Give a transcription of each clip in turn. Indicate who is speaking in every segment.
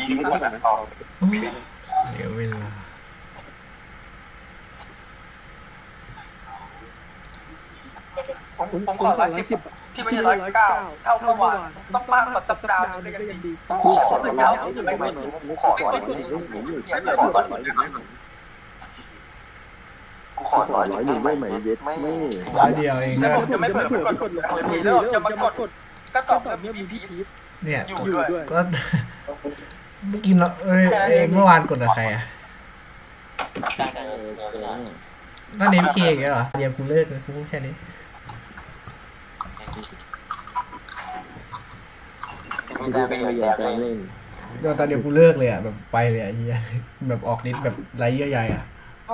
Speaker 1: ดีทุกวันนะเรา
Speaker 2: เดี๋ยวเวลา
Speaker 1: ผมขอ110ที่ไม่ใช่109เท่าเมื่อวานต้องมากกว่าตับดาวก็ยังดีกูขอ100แล้วจะไม่เหมือนกูขอ100ไม่ขอ100กูขอ100ได้ไหมเย็ดไม่
Speaker 2: ร้อยเดียวเอง
Speaker 1: แล้ว
Speaker 2: นะ
Speaker 1: ผมจะไม่เผลอกดเลยแล้วจะมากดก็ตอบแบบมีพีท
Speaker 2: เนี่ย
Speaker 1: อยู่ด้วย
Speaker 2: ก็เมื่อกี้เราเมื่อวานกดกับใครอ่ะนั่นเอ็มเคอีกแล้วเหรอเดี๋ยวกูเลิกเลยกูพูดแค่นี้เดี๋ยวตอนเดียวกูเลิกเลยอ่ะแบบไปเลยอ่ะเฮียแบบออกฤทธิ์แบบไรเยื่อใยอ่ะ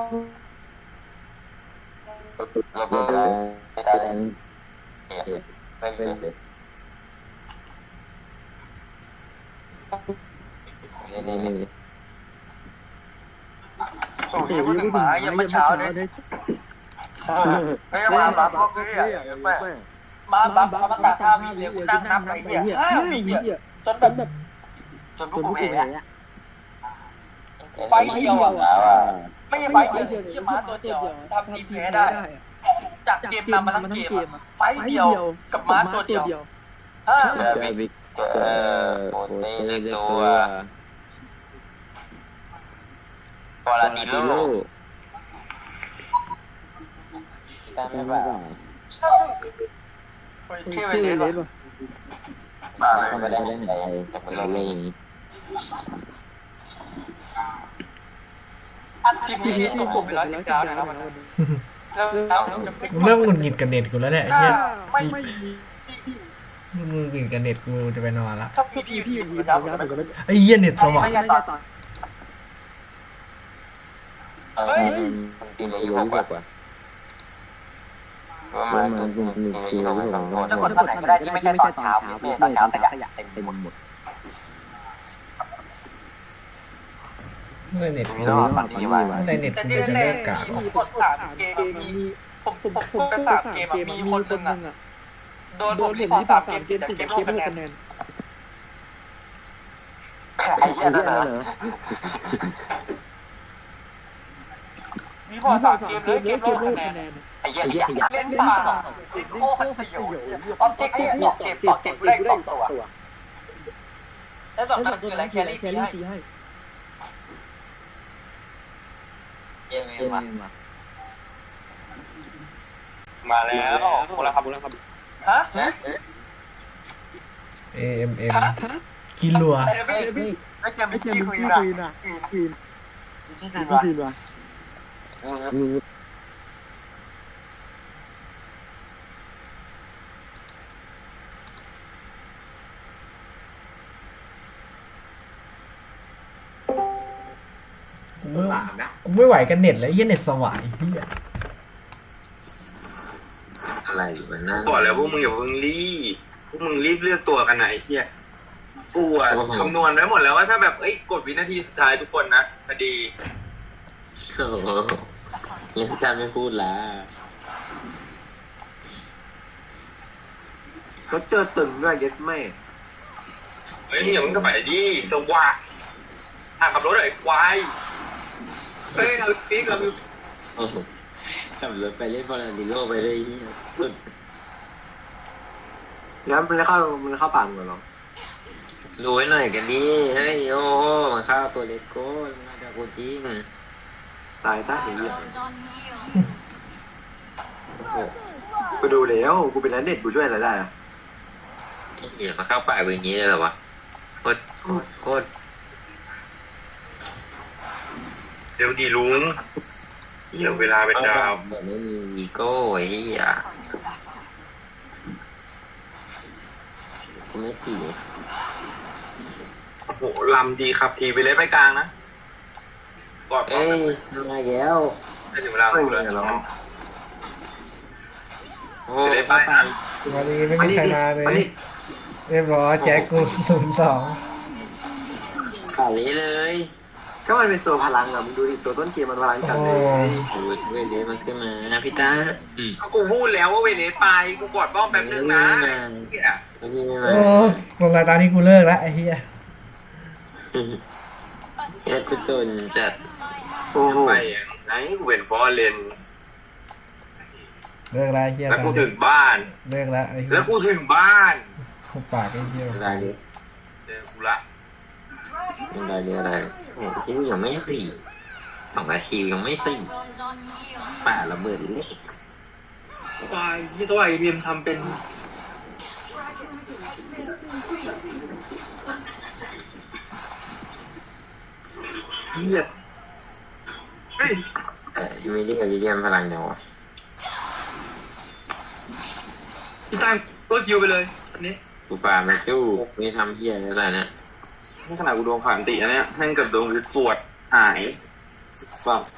Speaker 1: โอ้ยพูดถึงหมายังไม่เช้าเลยไม่มาบัฟพวกนี้อ่ะแม่มาบัฟมาตาท่ามีเลี้ยงนั่งนับไอ้เหี้ย5 วิจนแบบจนพวกกูเองอ่ะไฟเดียวอ่ะไม่ใช่ไฟเดียวที่มาตัวเดียวทำทีมแพ้ได้จากเกมนำมาทั้งเกมไฟเดียวกับมาตัวเดียว
Speaker 3: โปเต้เล็กตัวปอลาดิโลตามไม่บ้า
Speaker 1: ชื่อเป็นเลสป่ะ
Speaker 3: ไม่ได้เล่นไหนแต่เป็นโลลี่
Speaker 1: พี่ที่ผมไป110นะครับแล้ว
Speaker 2: มึงเริ่มหงุดหงิดกับเน็ตกูแล้วเนี่ยเฮีย
Speaker 1: ไม่
Speaker 2: มึงหงุดหงิดกับเน็ตกูจะไปนอนละ
Speaker 1: ถ้าพี่ยับ
Speaker 2: ไอ้เหี้ยเน็ตสว่าง
Speaker 1: ไม่ใช่ตอน
Speaker 3: กินเลยอยู่กว่าประมาณ1 กิโล2
Speaker 1: จะกดตอนไหนก็ได้ที่ไม่ใช่ตอนเช้าไม่ตอนเช้าขยะเต็มหมด
Speaker 2: เมื่อไหร่เน็ตกู
Speaker 3: มีรอบปันดีไว้
Speaker 2: เมื่อไหร่เน็ตกูจะเลิกกากวะ
Speaker 1: กด3 เกมมีผมไป3 เกมมีคนหนึ่งอ่ะโดนผมรีพอร์ต3 เกมแต่เกมไม่คะแนนไอ้เหี้ยนั่นเหรอมีพอร์ต3 เกมเลยเกมโลกคะแนนไอ้เหี้ยเล่นป่าโคตรสยองออบเจกต์ต่อเกมได้2 ตัวแล้ว2 ตัวคืออะไรแครี่ตีให้
Speaker 3: เยี่ยม
Speaker 1: มาแล้วบุรครับฮะ
Speaker 2: AMM กินรัว
Speaker 1: ไม่เกมคุยนะ
Speaker 2: กูไม่ไหวกันเน็ตแล้วเหี้ยเน็ตสว่างไอ้เหี้ย
Speaker 3: อะไรมันนั่น
Speaker 4: บอกแล้วพวกมึงอย่าเพิ่งรีบพวกมึงรีบเลือกตัวกันไหนเฮียกูอะคำนวณไว้หมดแล้วว่าถ้าแบบกดวินาทีสุดท้ายทุกคนนะพอดี
Speaker 3: โอ้โหยังการไม่พูดละ
Speaker 4: แล้วเจอตึงด้วยเย็ดแม่เฮ้ยอย่ามึงก็ไปดิสว่างขับรถไอ้ควายเฮ้ยเราปีกเรา
Speaker 3: โอ้โหขับรถไปเล่นบอลดิโลไปเลยสุด
Speaker 4: งั้นมันเข้าป่ามึงเหรอ
Speaker 3: รู้ไว้หน่อยกันดิเฮ้ยโอ้โหมันเข้าตัวเล็กโก้มันจะกูจริง
Speaker 4: ตายซะไอ้เหี้ย
Speaker 3: โอ้โห
Speaker 4: กูดูแล้วกูเป็นนักเน็ตกูช่วยอะไรได้อะ
Speaker 3: ไอ้เหี้ยมาเข้าป่าแบบนี้เลยเหรอวะโคตร
Speaker 4: เดี๋ยวดีลุงเดี๋ยวเวลาเป็นดาว
Speaker 3: แบบไม่มีอีโก้ไอ้เหี้ยกูไม่สี
Speaker 4: โอ้โหลำดีครับทีไปเล่นไปกลางนะกอด
Speaker 3: เอ้ยมาแล้ว
Speaker 4: ให้ถึงเวลาพูดเลยแล้ว
Speaker 3: โอ้
Speaker 4: จะได้ไปนะ
Speaker 2: วันนี้ไม่มีใครมาเลยเรียบร้อยแจ็คกู02
Speaker 3: ขาเละเลย
Speaker 4: ก็มันเป็นตัวพลังอะมึงดูดิตัวต้นเกมมันพลังจัดเลย
Speaker 3: โอ้ยเวเลสมันขึ้นมาพี่ตา
Speaker 4: กูพูดแล้วว่าเวเนสไปกูกอดบ้องแป๊บนึงนะ
Speaker 3: ไม่มีไม่
Speaker 2: โอ้
Speaker 3: มา
Speaker 2: คนรายตาที่กูเลิกแล้วไอ้เหี้ย
Speaker 3: เฮ็ดกูจนจัด
Speaker 4: โอ้ไปไหนกูเป็นฟอร์เรน
Speaker 2: เลิกแล้วเฮีย
Speaker 4: แล้วกูถึงบ้าน
Speaker 2: เลิกแล้วไอ้เฮี
Speaker 4: แล้
Speaker 2: ยว
Speaker 4: กูถึงบ้าน
Speaker 2: หุบปากไอ้เฮีย
Speaker 3: อะไรเนี่ย
Speaker 4: เจอกูละ
Speaker 3: อะไรโอ้คิวยังไม่สี่2 นาทียังไม่สี่ป่าระเบิดเล็ก
Speaker 4: ควายที่สวายเบียมทำเป็นเฮียเฮ้ย
Speaker 3: ยูมิลี่กับลิเลียมพลังเดียว
Speaker 4: พี่ตั้งตัวคิวไปเลยอันนี้
Speaker 3: กูฟาร์มจู้ไม่ทำเฮียอะไรเนี่ย
Speaker 4: นี่ขนาดกูโดนผ่านติอันเนี้ยแม่งกับโดนสวดหายฟัง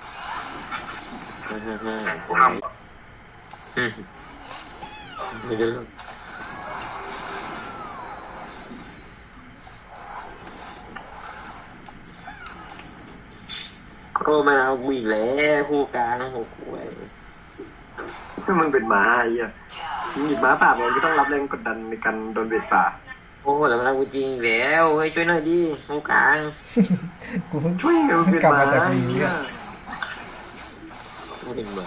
Speaker 4: ทำ
Speaker 3: ไม่รู้โอ้มันเอากูอีกแล้วคู่กลางหกหวย
Speaker 5: ถ้ามึงเป็นหมาไอ้เหี้ยมึงหยิบม้าป่ามันก็ต้องรับแรงกดดันในการโดนเบ็ดป่า
Speaker 3: โอ้แล้วมันเอากูจริงอีกแล้วเฮ้ยช่วยหน่อยดิคู่กลาง
Speaker 2: กูเพิ่ง
Speaker 5: ช่วยมึงเป็น
Speaker 2: กลับ
Speaker 5: หมา
Speaker 2: มาจาก
Speaker 5: ไอ้
Speaker 2: นี้
Speaker 5: เหี้ย
Speaker 3: กูถึงเหมือน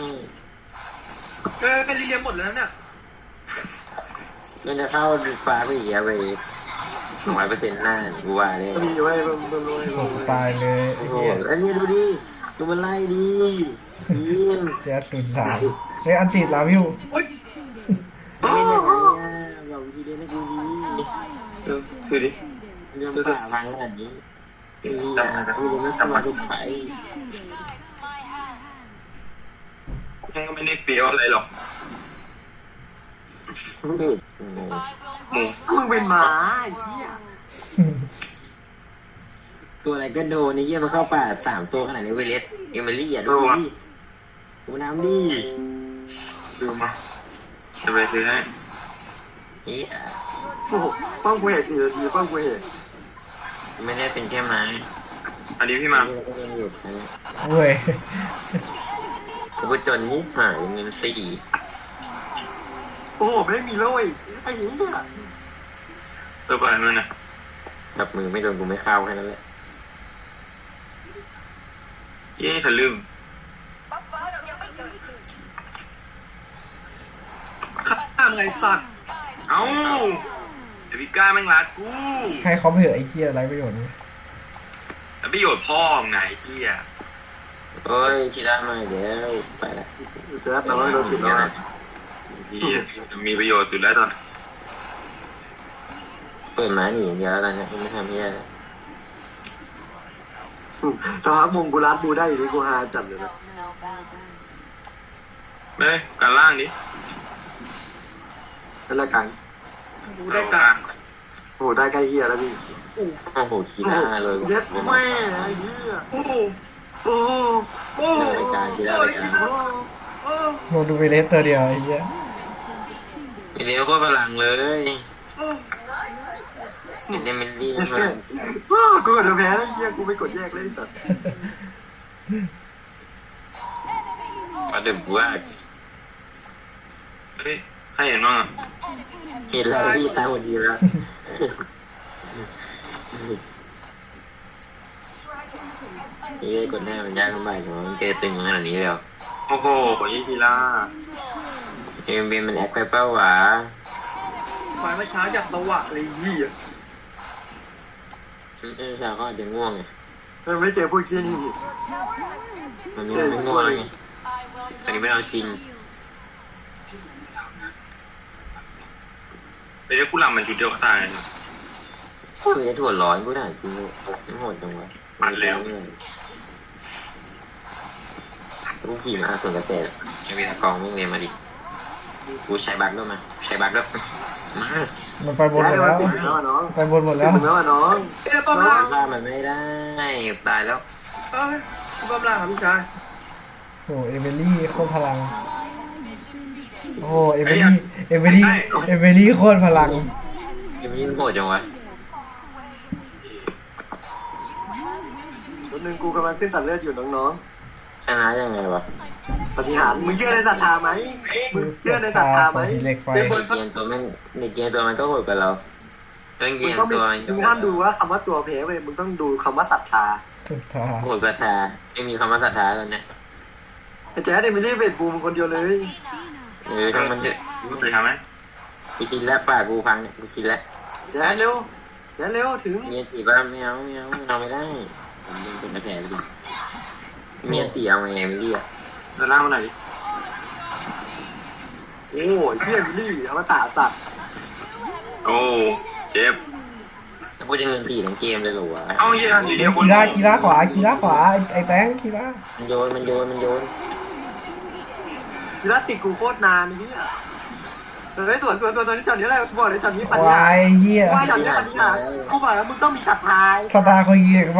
Speaker 4: เป็นลิเลียมหมดแล้วเนี่ย
Speaker 3: มันจะเข้าฟ้าไปอีกแล้วไป200%หน้ากูว่าเลย
Speaker 5: ก็มีไว้มึงรวย
Speaker 2: โอ้กูตายเลยไอ้
Speaker 3: โอ้โห
Speaker 2: เฮีย
Speaker 3: แล้วนี่ดูดิดูมันไล่ดิยิง
Speaker 2: แจ๊ส03เฮ้ยอันติดลาวิว
Speaker 3: ไม่ได้ไงบอกวิธีเล่นให้กูดี
Speaker 4: คือดิ
Speaker 3: เรื่องป่าพังขนาดนี้ไอ้เหี้ยกูยังไม่กลับมาทุกไฟ
Speaker 4: แม่งก็ไม่ได้เปรี้ยวอะไรหรอกหมู
Speaker 5: มึงเป็นหมาไอ้เหี้ย
Speaker 3: ตัวอะไรก็โดนไอ้เหี้ยมันเข้าป่า3 ตัวขนาดนี้เวเลสเอมิลี่อ่ะดูดิกูน้ำดิ
Speaker 4: ดูมาจะไปซื้อให้
Speaker 3: เหี้ย
Speaker 5: โอ้โหป้องกูเห็นกี่นาทีป้องกูเห็น
Speaker 3: ไม่ได้เป็นแค่ไม้
Speaker 4: อันนี้พี่มา
Speaker 3: นี่ก็เป็นเหตุนะ
Speaker 2: เว้ย
Speaker 3: กูจนนิดหายเงิน4
Speaker 5: โอ้โหไม่มีเลยไอ้เหี้ย
Speaker 4: ตัวไปมันนะ
Speaker 3: กับมือไม่โดนกูไม่เข้าแค่นั้นแหละ
Speaker 4: ยี่ทะลึ่งข้ามไงสัตว์เอ้าเดี๋ยวพี่ก้าแม่งรัดกู
Speaker 2: ให้เขาไปเถอะไอ้เฮียไรประโยชน์นี่
Speaker 4: แล้วประโยชน์พ่อมึงไงเฮีย
Speaker 3: โอ้ยคิดได้มาเดี๋ยวไปละ
Speaker 5: เจ๊แต่ว่าโดนปิดแล้ว
Speaker 4: เฮียมีประโยชน์อยู่แล้วตอน
Speaker 3: เปิดม้าหนีอย่างเดียวแล้วเนี่ยไม่ทำเหี้ย
Speaker 5: สภาพมงกูรัดดูได้อยู่นี่กูฮาจัดเลยนะ
Speaker 4: เฮ้ยการล่างดิ
Speaker 5: เป็นละกัน
Speaker 4: กูได้การ
Speaker 5: โอ้โหได้ใกล้เหี้ยแล้วพี่
Speaker 3: โอ้โหคิดได้เลย
Speaker 5: เย็ดแม่ไอ้เหี้ย
Speaker 4: โอ้โห
Speaker 5: โอ้โห
Speaker 4: โอ้โห
Speaker 3: รายการคิดได้รายการ
Speaker 4: โอ้
Speaker 2: ลงดูไปเลสตัวเดียวไอ้เฮีย
Speaker 3: มีเลี้ยวก็พลังเลยเป็นเดมิลี่พลัง
Speaker 5: อ้าวกูกดแพ้แล้วเหี้ยกูไปกดแยกเลยไอ้สัตว์
Speaker 3: มาเดือบว่า
Speaker 4: เฮ้ยให้เห็นบ้างอ่ะ
Speaker 3: เห็นแล้วพี่ตาหัวดีแล้วเฮ้ยกดหน้ามันยากลำบากจังมันเจอตึงขนาดนี้แล้ว
Speaker 4: โอ้โหยี่ทีล่า
Speaker 3: เอ็มบีมันแอคไปเป้าวะ
Speaker 4: ฝ่ายเมื่อเช้าอยากสว่างเลยเฮีย
Speaker 3: สาวเขาอาจจะง่วงไง
Speaker 5: มันไม่เจอพวกเชี่ยนี่
Speaker 3: มันไม่ง่วงไงตอนนี้ไม่เอาจริง
Speaker 4: ไปเรียกกูหลังมันชุดเดียวตาย
Speaker 3: กูจะถั่วร้อนกูด่าจริงเลยไม่โหดจังวะกูขี่มาส่วนเกษตรยังมีตะกองไม่เรียนมาดิกูใช้บักด้วยมาใช้บักด้วยมา
Speaker 2: มันไปบนหม
Speaker 5: แพ้
Speaker 2: ด
Speaker 5: โดน
Speaker 2: แล้ว
Speaker 5: ติดแล้วอะน้อง
Speaker 2: ไปบนหมด
Speaker 5: ติ
Speaker 2: แล้ว
Speaker 5: ดแล้วอะน้อง
Speaker 4: เอ้ยป้อมล่าง
Speaker 3: ฆ่ามันไม่ได้ตายแล้ว
Speaker 4: เอ้ยป้อมล่างครับพี่ชาย
Speaker 2: โอ้เอเมลี่โคตรพลังโอ้เอเมลี่โคตรพลัง
Speaker 3: ยังไม่โหดจังวะ
Speaker 5: คนหนึ่งกูกำลังขึ้นตัดเลือดอยู่น้อง
Speaker 3: ชนะยังไงวะ
Speaker 5: ๆปฏิหารย์มึงเชื่อในศรัทธาไหมมึงเชื่อในศรัทธาไหม
Speaker 2: เหล็กไฟ
Speaker 3: ในเกมตัวมันก็โหดกว่าเรา
Speaker 4: ไ
Speaker 3: ต้นเกี
Speaker 5: มึ
Speaker 3: ย
Speaker 5: ง
Speaker 3: ง
Speaker 5: ต้อง
Speaker 3: ตัว
Speaker 5: มึงห้ามดูว่าคำว่าตัวเพเว้ยมึงต้องดูคำว่าศรัทธา
Speaker 2: สุดท้าย
Speaker 3: โหศรัทธาไม่มีคำว่าศรัทธาแล้วเนี่ย
Speaker 5: ไอ้แจ๊ดเอมิลี่เวทบูมคนเดียวเลย
Speaker 3: ทั้งมันเถอะ
Speaker 4: มึงเคยทำไหม
Speaker 3: กูคิดแล้วปากกูพังเนี่ยกูคิดแล้ว
Speaker 5: แจ๊ดเร็วแจ๊ดเร็วถึง
Speaker 3: เมียตีบ้าไม่เอาไม่ได้ผมเป็นคนกระแสไปดิเมียตีเอาไงไม่เรียก
Speaker 4: เดินล่างมาหน่อยดิ
Speaker 5: โอ้ยพี่เอมิลี่อมตะสัตว์
Speaker 4: โอ้เจ็บ
Speaker 3: ถ้าพูดจะเงิน4ทั้งเกมเลยเหรอวะ
Speaker 4: เอาเหี้ยอยู่เดียวคน
Speaker 2: คีร่าขวาไอ้แตงคีร่า
Speaker 3: มันโยน
Speaker 5: กีฬาติดกูโคตรนานนี่อ่ะเฮ้ยส่วนตัวนี้จอดนี้อะไรบอกเลยจอดนี้ปัญ
Speaker 2: วา
Speaker 5: ญาย
Speaker 2: เหี้ย
Speaker 5: ว่าจอดนี้ปัญญากูบอกแล้วมึงต้องมีศรัทธา
Speaker 2: สตาร์เขายิงไป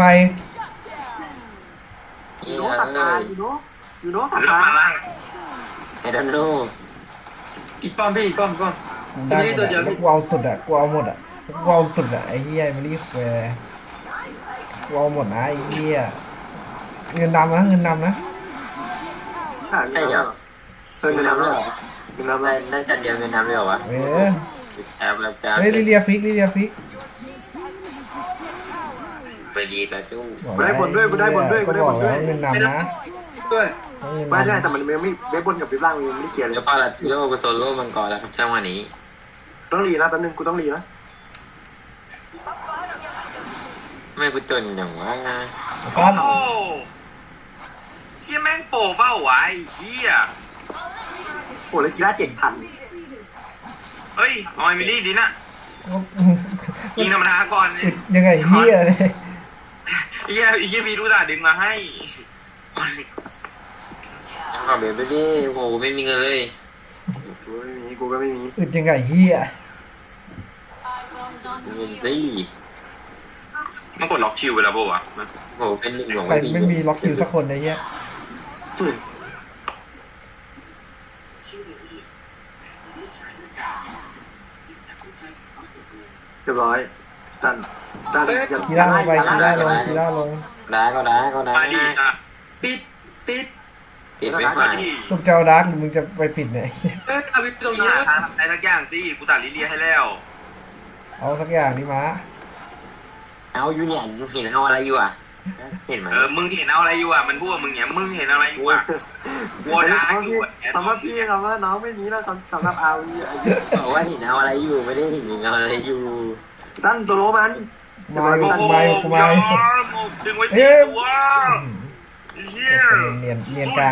Speaker 5: อยู่โน้ศรัทธาอยู่โน้ศรัท
Speaker 4: เลือก
Speaker 5: ธา
Speaker 4: มาล่าง
Speaker 3: ไอ้ดันโน
Speaker 4: อีกป้อมพี่อีกป้อม
Speaker 2: ได้หมดอะกูเอาสุดอะกูเอาหมดอะกูเอาสุดอะไอ้เหี้ยไม่รีบแควร์กูเอาหมดนะไอ้เหี้ยเงินดำนะ
Speaker 5: ใช่เหรอเงินน้ำเลยเงินน้ำเลย
Speaker 3: ได้จัดเดียวเงินน้ำเลยเหรอวะ
Speaker 2: เออ
Speaker 3: แอบแล้วจ้า
Speaker 2: เฮ้ยลิเลียฟิก
Speaker 3: ไปดีแล้วจู้
Speaker 5: กูได้บนด้วย
Speaker 2: ก็บอกแล้วเงินดำนะ
Speaker 4: ด้วย
Speaker 5: ไม่ใช่แต่มันไม่ได้บนกับวิบล่างมันไม่ได้เขียนเลย
Speaker 3: แล้วพอละโยกโซโล่มังกรแล้วครับช่างวันนี้
Speaker 5: ต้องรีนะแป๊บนึงกูต้องรีนะ
Speaker 3: ไม่กูจนอย่างว่า
Speaker 2: ปั้น
Speaker 4: โอ้เหี้ยแม่งโปเป้าวะไอ้เหี้ย
Speaker 5: โอ้แล้วกีฬา7,000
Speaker 4: เฮ้ยออยมิลี่ดินะยิงธรรมดาก่อน
Speaker 2: ยังไงเหี้ยเลย
Speaker 4: ไอ้เหี้ยพี่รู้จักดึงมาให้
Speaker 3: ขอเบรไปดิโหไม่มีเงินเลย
Speaker 5: กูก็ไม่มี
Speaker 2: อึดยังไงเหี้ย
Speaker 3: เงินสิ
Speaker 4: มันกดล็อกคิวไปแล้วป่าวะ
Speaker 3: โหเป็น1 ของ
Speaker 2: ใครไม่มีล็อกคิวสักคนไอ้เหี้ย
Speaker 5: เรียบร้อยจันอย่า
Speaker 2: คีร่าลงไปคีร่าลง
Speaker 3: ด่าก็ด่า
Speaker 4: มาดีนะ
Speaker 5: ปิด
Speaker 3: ติดไม่ผ่าน
Speaker 2: ลูกเจ้าดาร์กมึงจะไปปิดเนี่ย
Speaker 4: เอาวิปตรงนี้ทางอะไรสักอย่างสิกูตัดลิเลียให้แล้ว
Speaker 2: เอาสักอย่างนี่มา
Speaker 3: เอาอยู่เนี่ยเห็นเอาอะไรอยู่อ่ะเห็นไหม
Speaker 4: มึงเห็นเอาอะไรอยู่อ่ะมันพูดมึงเนี่ยมึงเห็นอะไรอยู่อ่ะวัวดาอยู่
Speaker 5: คำว่าพี่คำว่าน้องไม่มีแล้วสำหรับอาวี
Speaker 3: บอกว่าเห็นเอาอะไรอยู่ไม่ได้เห็นเอาอะไรอยู่
Speaker 5: ตั้นโซโลมัน
Speaker 2: ไม่
Speaker 4: โอ้โห
Speaker 2: ไม่
Speaker 4: ดึงไว้สิตัวเฮีย
Speaker 2: เนียนกลาง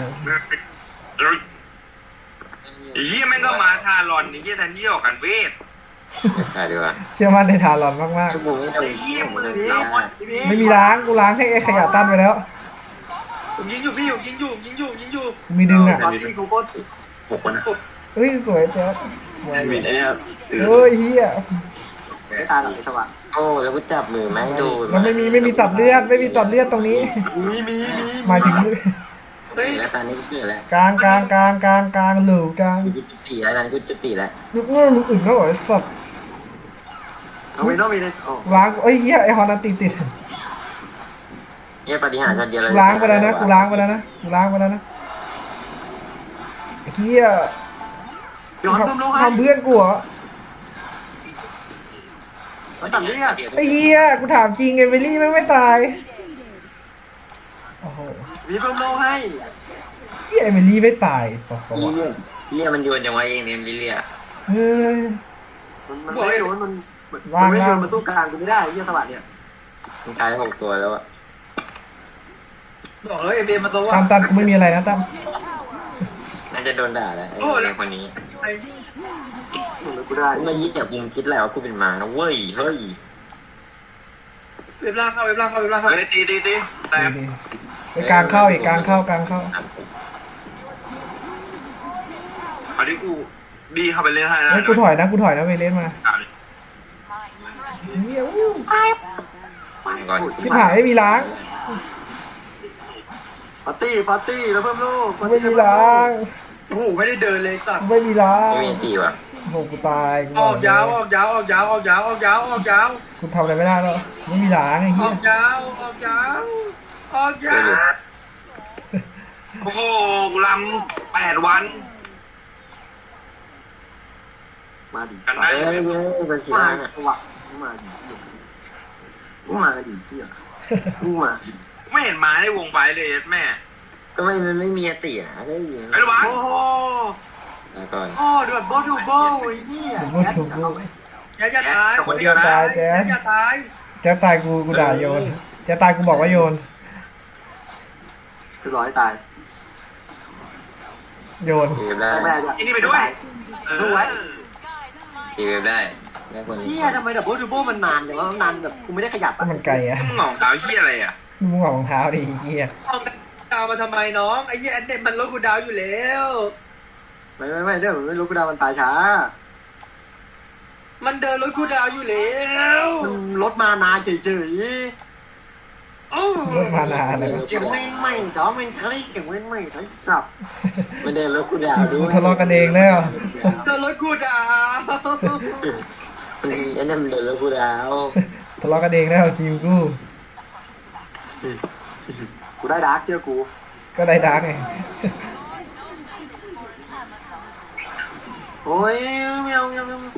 Speaker 4: เฮียแม่งก็มาทารอนเฮียแทนที่ออกกันเวท
Speaker 3: ใช่ดีกว่า
Speaker 2: เชื่อมั่นในทารอนมาก
Speaker 3: ชั่วโมงนี้เรา
Speaker 4: เฮียมึง
Speaker 5: พี่
Speaker 2: ๆไม่มีล้างกูล้างให้ไอ้ขยะตั้นไปแล้ว
Speaker 4: ผมยิงอยู่พี่อยู่ยิงอยู่
Speaker 2: กูมีดึงอ่ะ
Speaker 5: ตอนที่กูโคตร
Speaker 4: 6 คนนะ
Speaker 2: เฮ้ยสวยเจ้า
Speaker 4: มีไอ้เนี่ย
Speaker 2: เฮ้ยเฮีย
Speaker 5: ไม่ตายหรอกไอ้สว่าง
Speaker 3: โอ้แล้วกูจับมือไม่โดน
Speaker 2: มันไม่มีตัดเลือดตรงนี้
Speaker 5: มี
Speaker 2: หมายถึง
Speaker 5: เฮ้ย
Speaker 3: แล้วตอนนี้กูเกิดแล้ว
Speaker 2: กลางหลูกลาง
Speaker 3: กูจะตีแล้วตอนนี้กูจะตีแล้ว
Speaker 2: ลูกอื่นเขาบอกสัตว์
Speaker 5: เอาไปนอกไปเลยโอ้
Speaker 2: ล้างเอ้ยเฮียไอฮอนนันติด
Speaker 3: เนี่ยปฏิหารย์เดียวเลย
Speaker 2: กูล้างไปแล้วนะเฮีย
Speaker 5: ย้อนตุ้มลูกให้
Speaker 2: ทำเพื่อนกูเหรอ
Speaker 5: มันตัดเลือด
Speaker 2: ไอ้เฮียกูถามจริงไอ้เวลลี่ไม่ตายโอ้โห
Speaker 5: มีตุ้มลูกให้
Speaker 2: เฮียไอ้เวลลี่ไม่ตายฟอ
Speaker 3: เลี่ยมันโยนจังวะเองเนี่ยลิเลีย
Speaker 2: เฮ้ย
Speaker 5: มันไม่โดนมันไม่โดนมาสู้กลางกูไม่ได้ไอ้เหี้ยสวัสดิ์เนี่ย
Speaker 3: มันตาย6 ตัวแล้วอะ
Speaker 4: บอกเลยเอเบมาตัวว่า
Speaker 2: ตั้มกูไม่มีอะไรนะตั้ม
Speaker 3: น่าจะโดนด่าแล้วไอ้คนนี้
Speaker 5: กูได้
Speaker 3: กูมายิ่งจากกูคิดแล้วว่ากูเป็นมานะเว้ยเฮ้ย
Speaker 4: เว็บล่างเข้าตีแต่
Speaker 2: ไปกลางเข้าอีกกลางเข้า
Speaker 4: เอาที่กูดีเข้าไปเล่นให้นะ
Speaker 2: เฮ้ยกูถอยนะเวเลสมาเฮีย
Speaker 3: ก่อน
Speaker 2: ชิบหายไม่มีล้าง
Speaker 5: ปาร์ตี้แล้วเพิ่มลูก
Speaker 2: ไม่มีล้าง
Speaker 4: โอ้โหไม่ได้เดินเลยสัตว์
Speaker 2: ไม่มีล้าง
Speaker 3: ไม่มีตีว่ะ
Speaker 2: โหกูตาย
Speaker 4: ออกยาว
Speaker 2: กูทำอะไรไม่ได้แล้วไม่มีล้างไอ้เหี้
Speaker 4: อย อกยาวโอ้โหกูลำ8 วัน
Speaker 5: มาดิ
Speaker 3: เอ้ยเป็นขี้
Speaker 5: มา
Speaker 3: ร้าน
Speaker 5: สวัสดิ์มาดิมึงมาดิเนี่ยมึงมา
Speaker 4: ไม่เห็นม้าในวงไฟเลยแม่
Speaker 3: ก็มันไม่มีอติอ่ะได้ยิน
Speaker 4: ไอ้ระวัง
Speaker 5: โอ้โห
Speaker 3: แล้วก่อน
Speaker 5: โอ้ดูแบบดูโบไอ้เนี่ย
Speaker 2: ถูกถูกถูก
Speaker 1: อย่าตาย
Speaker 4: คนเดียวนะ
Speaker 2: ตายแจ๊ส
Speaker 1: อย่าตาย
Speaker 2: แจ๊สตายกูด่าโยนแจ๊สตายกูบอกว่าโยน
Speaker 5: เรียบร้อยตาย
Speaker 2: โยน
Speaker 3: ตีได้
Speaker 5: แม่
Speaker 4: อันนี้ไปด้วย
Speaker 5: ดูไว้
Speaker 3: ตีได้ได้คน
Speaker 5: เนี่ยทำไมแบบดูโบมันนานอย่างว่านานแบบกูไม่ได้ขยับ
Speaker 2: ก็มันไกลอ่ะ
Speaker 4: มึงหงอกดาวเหี้ยอะไรอ่ะ
Speaker 2: มึงเอารองเท้าดิเฮีย
Speaker 1: เอาดาวมาทำไมน้องไอ้เหี้ยแอนเดนมันลดกูดาวอยู่แล้ว
Speaker 5: ไม่เรื่องมันไม่รู้กูดามันตายช้า
Speaker 1: มันเดินลดกูดาวอยู่แล้ว
Speaker 5: รถมานานเฉย
Speaker 1: โอ้
Speaker 2: รถมานานเลย
Speaker 5: ๆเก่งไม่ดอกมันคล้ายเก่งไม่ทั้งสับ
Speaker 3: มันเดินรถกูดาวด้
Speaker 2: กู
Speaker 3: วย
Speaker 2: ทะเลาะกันเองแล้ว
Speaker 1: เดินลดกูดาว
Speaker 3: ไอ้นั่นมันเดินรถกูดาว
Speaker 2: ทะเลาะกันเองแล้วทีมกู
Speaker 5: กูได้ดาร์กเชื่อกู
Speaker 2: ก็ได้ดาร์กไง
Speaker 5: โอ้ยไม่เอา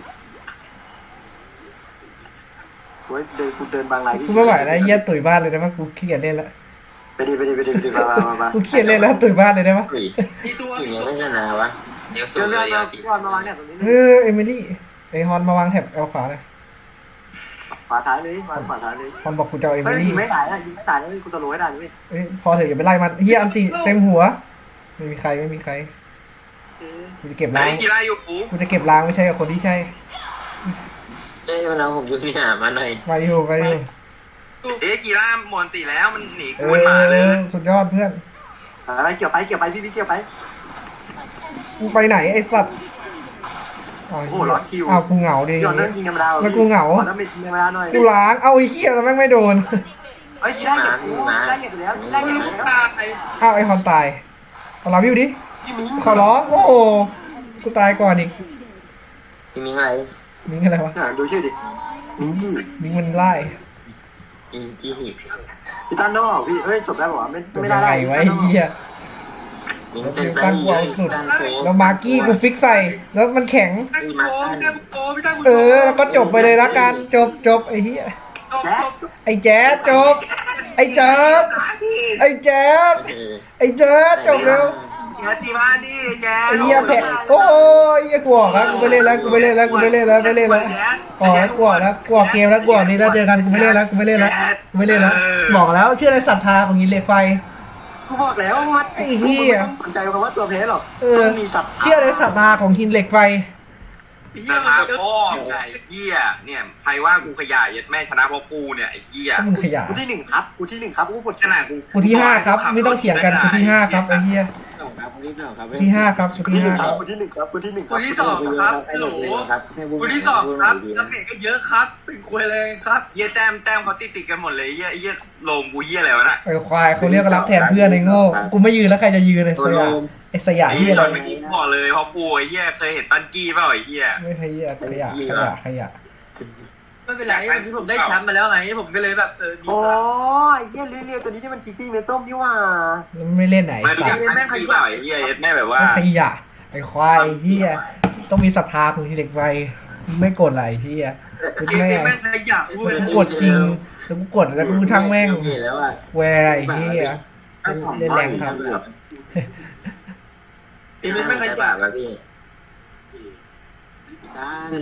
Speaker 5: โอ้ยกูเดินบางไร
Speaker 2: กูไม่ไหวแล้วเฮียตุ๋ยบ้านเลยได้ปะกูขี้เกียจเล่นละ
Speaker 5: ไปดิมา
Speaker 2: กูขี้เกียจเล่นแล้วตุ๋ยบ้านเลยได้ปะ
Speaker 3: อุ้ย
Speaker 1: มีตัว
Speaker 3: สิ่งนี้ไม่ชนะวะเดี๋ยว
Speaker 5: เจ
Speaker 3: สู
Speaker 5: อง เรื่อง
Speaker 3: เดียว
Speaker 5: ก่อนมาวางเนี่ยตรงนี้
Speaker 2: เอมิลี่ไอฮอนมาวางแถบเอาขวาเลย
Speaker 5: ขวาซ้ายเลยวางขวาซ้ายเลย
Speaker 2: ฮอนบอกกูจะเอาเอมิ
Speaker 5: เฮ้ย
Speaker 2: ลี่
Speaker 5: ยิงไม่ตายนะยิงไม่ตายนะกูสโลว์ให้ได้ด้วย
Speaker 2: เอ้ยพอเถอะอย่าไปไล่มันเฮียอันติเต็มหัวไม่มีใครกูจะเก็บ
Speaker 4: ไหน
Speaker 2: ล้าง
Speaker 4: กีฬาอยู่ปู
Speaker 2: กูจะเก็บล้างไม่ใช่กับคนที่ใช่
Speaker 3: เอ้ยมันเอาผมอยู่เนี่ยมาหน่อย
Speaker 2: ไปอยู่
Speaker 4: กีฬามอนตีแล้วมันหนี
Speaker 2: เอ
Speaker 4: กูมันมาเลย
Speaker 2: อสุดยอดเพื่อน
Speaker 5: ไปเกี่ยวไปพี่เกี่ยวไป
Speaker 2: กูไปไหนไอ้สัตว์
Speaker 5: โอ้โหร้อนคิว
Speaker 2: อ้าวกูเหงาดิ
Speaker 5: ย้อนเรื่องยิงธรรมดา
Speaker 2: แล้วกูเหงา
Speaker 5: ขอน้ำเม็ดยิงธรรมดาหน่อย
Speaker 2: กูล้างเอาไอ้เหี้ยแล้วแม่งไม่โดน
Speaker 5: เฮ้ยได้เหยียบกูได้เหยียบไปแล้วได้เหยียบไปแล้ว
Speaker 1: ตาย
Speaker 2: อ้าวไอ้ฮอนตายเอาลาวิวดิ
Speaker 5: พี่มิ้ง
Speaker 2: ขอร้องโอ้โหกูตายก่อนอีก
Speaker 3: พี่มิ้งอะไร
Speaker 2: มิงอะไรวะ
Speaker 5: ดูชื่อดิมิงกี้
Speaker 2: มิงมันไล่
Speaker 3: อินจี้
Speaker 5: พี่ตันโน่พี่เอ้ยจบได้ป่าวไม่ได้
Speaker 2: ยังไงวะไอ้เหี้ย
Speaker 3: มิงเต้นตั้งเยอะตั้งโค
Speaker 2: แล้วมาร์กี้กูฟิกใส่แล้วมันแข็ง
Speaker 1: ตั้งโกตั้งโกพี่ตั้งกู
Speaker 2: แล้วก็จบไปเลยละกันจบไอ้เหี้ย
Speaker 1: จบ
Speaker 2: ไอ้แจ๊สจบไอ้แจ๊สไอ้แจ๊สไอ้แจ๊สจบแล้ว
Speaker 4: แกตีมาดิแจ๊
Speaker 2: ไอ้เหี้ยแพ้โอ้ยเหี้ยกลัวแล้วกูไม่เล่นแล้วอ๋อแล้วกลัวเกมแล้วกลัวนี้แล้วเจอกันกูไม่เล่นแล้วบอกแล้วเชื่อในศรัทธาของหินเหล็กไฟ
Speaker 5: กูบอกแล้วว่าไม่ต้องสนใจคำว่าตัวเพลหรอกต้องมีสับ
Speaker 2: เชื่อในศรัทธาของหินเหล็กไฟ
Speaker 1: เหี้ย
Speaker 4: มาพ่อไอ้เหี้ยเนี่ยใครว่ากูขยายแม่ชนะเพราะกูเนี่ยไอ้เหี้ย
Speaker 2: ก็มึงขยะ
Speaker 5: กูที่1ครับกูปวด
Speaker 4: ขนาดกู
Speaker 2: กูที่5ครับไม่ต้องเถียงกันกูที่5ครับไอ้เหี้ย
Speaker 3: สองครับคนที่สองครับ
Speaker 2: ที่5ครับกูที่5ครับ
Speaker 5: กูที่1ครับ
Speaker 1: กูที่สองครับโหลกูที่สองครับน้ำเมจก็เยอะครับ เป็นควยเลยครับ
Speaker 4: เหี้ยแต้มเขาติดกันหมดเลยเหี้ยลงกูเหี้ยอะไรวะน่ะ
Speaker 2: ไอ้ควายเขาเรียกรับแทนเพื่อนไอ้โง่กูไม่ยืนแล้วใครจะยืนเลย
Speaker 3: ตัว
Speaker 2: ส
Speaker 3: โล
Speaker 2: ยาม
Speaker 3: ม
Speaker 2: ไอ้สยาม
Speaker 4: ไอ้
Speaker 2: ที่
Speaker 4: เหี้ย
Speaker 2: อะไร
Speaker 4: เมื่อกี้กูบอกเลยเพราะกูไอ้เหี้ยเคยเห็นตันกี้เปล่าไอ้เหี้ย
Speaker 2: ไม่ขยะ
Speaker 1: ไม่เป็นไรวันนี้ผมได้แชมป์มาแล้วไงผมก็เลยแบบดี
Speaker 5: โอ้
Speaker 1: กว่า
Speaker 5: ยเยี่ยเรียตัวนี้ที่มันคิตตี้เมต้มนี่ว่า
Speaker 2: ไม่เล่นไหน
Speaker 4: ไม่รู้จักตันกี้เปล่าไอ้เหี้ยแม่แบบว่า
Speaker 2: ขยะไอ้ควายไอ้เหี้ยต้องมีศรัทธาของหินเหล็กไฟไม่กดอะไรเหี้ยกู
Speaker 1: เกม
Speaker 2: ไม่
Speaker 1: นี้แม่งขยะกูเลย
Speaker 2: กูกดจริงแล้วกูกดแล้วกูช่างแม่ง
Speaker 3: เห็นแล้วอ่ะ
Speaker 2: แวร์ไอ้เหี้ยเล่นแรงครับ
Speaker 1: เกมนี้แม่งข
Speaker 3: ใช่
Speaker 1: ยะ
Speaker 3: ป่ะวะพี่ตั้ง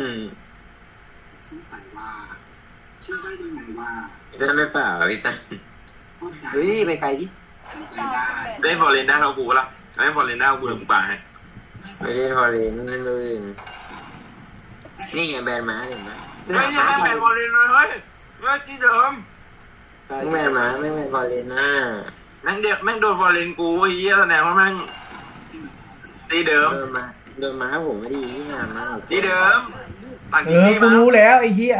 Speaker 3: พี่ตั้งไม่เปล่าพี่ตั้ง
Speaker 5: เฮ้ยไปไกลดิ
Speaker 4: เล่นฟอร์เรนได้เรากูละเล่นฟอร์เรนได้กูเลยกูป่าให้
Speaker 3: ไม่ได้พอเล่นนั่นเลยนี่ไงแบนม้าเห็นไหม
Speaker 4: เฮ้ยยังไม่แบ่งฟอร์เรนเลยเฮ้ยที่เดิม
Speaker 3: แบนม้าไม่แบนพอเล่นนะ
Speaker 4: แม่งโดนฟอร์เรนกูไอ้เหี้ยแสดงว่าแม่งตีเดิม
Speaker 3: โดนม้าผมไม่ดีที่งานมาก
Speaker 4: ตีเดิมต่าง
Speaker 2: เอ
Speaker 4: ที่
Speaker 2: อ
Speaker 4: ที่
Speaker 2: กู
Speaker 4: มา
Speaker 2: รู้แล้วไอ้เหี้ย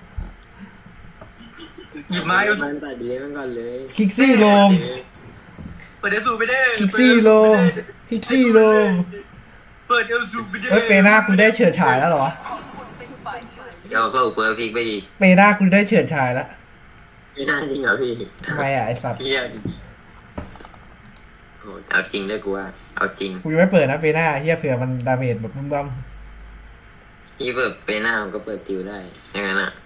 Speaker 1: หยิบไม้เอา
Speaker 3: มันตัดเบี้ยมันก่อนเลย
Speaker 2: คิกซี่โลม
Speaker 1: เปิดเอลซูไปได้
Speaker 2: คิกซี่โลมคิกซี่โลม
Speaker 1: เปิดเอลซูไปได้
Speaker 2: เฮ้ยเปหน้ากูได้เฉิดฉายแล้วเหรอ
Speaker 3: เดี๋ยวก็เฟิร์สพิกไปดี
Speaker 2: เปหน้ากูได้เฉิดฉายแล้ว
Speaker 3: ไม่น่าจริงเหรอพี่
Speaker 2: ทำไมอ่ะไอ้สัตว์
Speaker 3: พี่เอาจริงโอ้เอาจริงด้วยกูว่าเอาจริง
Speaker 2: กูยังไม่เปิดนะเปหน้าเฮียเผื่อมันดาเมจแบบบึ้ม
Speaker 3: พี่เปิดไปหน้าผมก็เปิดติวได้อย่างนั้นอ่ะ